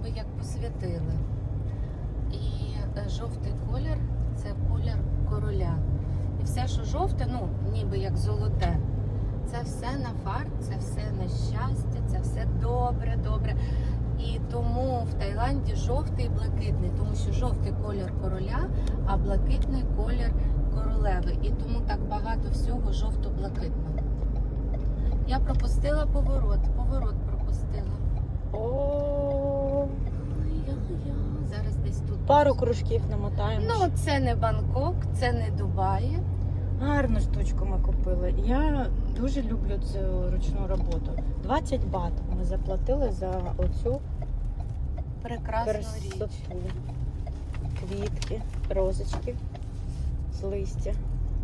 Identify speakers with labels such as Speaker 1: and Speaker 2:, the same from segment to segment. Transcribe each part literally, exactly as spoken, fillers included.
Speaker 1: ніби як посвятили. І жовтий колір – це колір короля. І все, що жовте, ну, ніби як золоте, це все на фарт, це все на щастя, це все добре, добре. І тому в Таїланді жовтий і блакитний, тому що жовтий колір короля, а блакитний колір королеви. І тому так багато всього жовто-блакитного. Я пропустила поворот, поворот пропустила.
Speaker 2: О,
Speaker 1: Зараз десь тут.
Speaker 2: пару кружків намотаємо.
Speaker 1: Ну, це не Бангкок, це не Дубаї.
Speaker 2: Гарну штучку ми купили. Я дуже люблю цю ручну роботу. двадцять бат ми заплатили за оцю
Speaker 1: Прекрасну
Speaker 2: красоту.
Speaker 1: річ.
Speaker 2: Квітки, розочки з листя.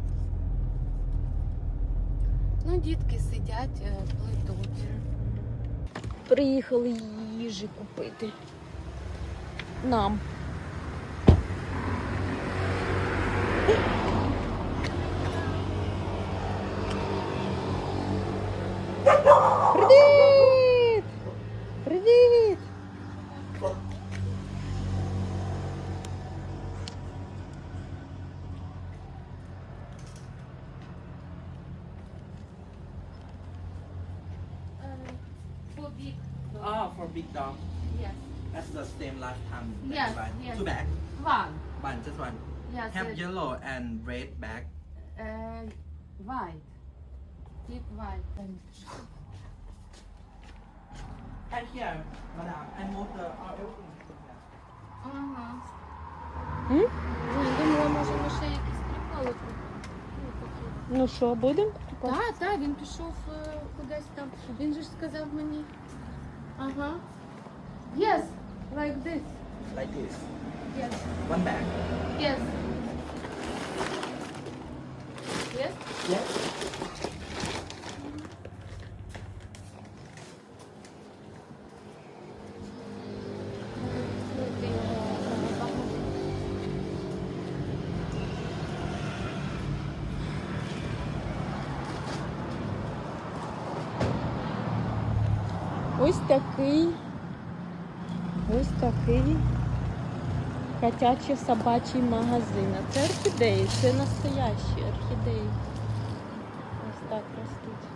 Speaker 1: Ну, дітки сидять, е, плетуть.
Speaker 2: Приїхали їжі купити. Нам. Привіт! Привіт!
Speaker 1: For big
Speaker 3: Ah, for big dog.
Speaker 1: Yes.
Speaker 3: That's the same last time.
Speaker 1: Yes,
Speaker 3: One.
Speaker 1: yes.
Speaker 3: Two bag.
Speaker 1: One.
Speaker 3: One, just one.
Speaker 1: Yes.
Speaker 3: Have yellow and red bag.
Speaker 1: Uh, white. Big white.
Speaker 3: And here, madam, and move the all everything.
Speaker 1: Ага.
Speaker 2: М?
Speaker 1: Ой, думала, може, ми ще якісь приколи купимо.
Speaker 2: Ну що, будемо?
Speaker 1: Так, так, він пішов е, кудись там. Він же ж сказав мені. Ага. Yes, like this.
Speaker 3: Like this.
Speaker 1: Yes.
Speaker 3: One bag.
Speaker 1: Yes. Yes?
Speaker 3: Yes.
Speaker 2: Ось такий, ось такий котячий собачий магазин. А це орхідеї, це настоящі орхідеї. Ось так ростуть.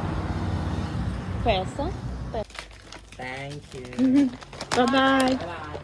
Speaker 2: Песа.
Speaker 3: Thank you.
Speaker 2: Бай-бай.
Speaker 3: Bye.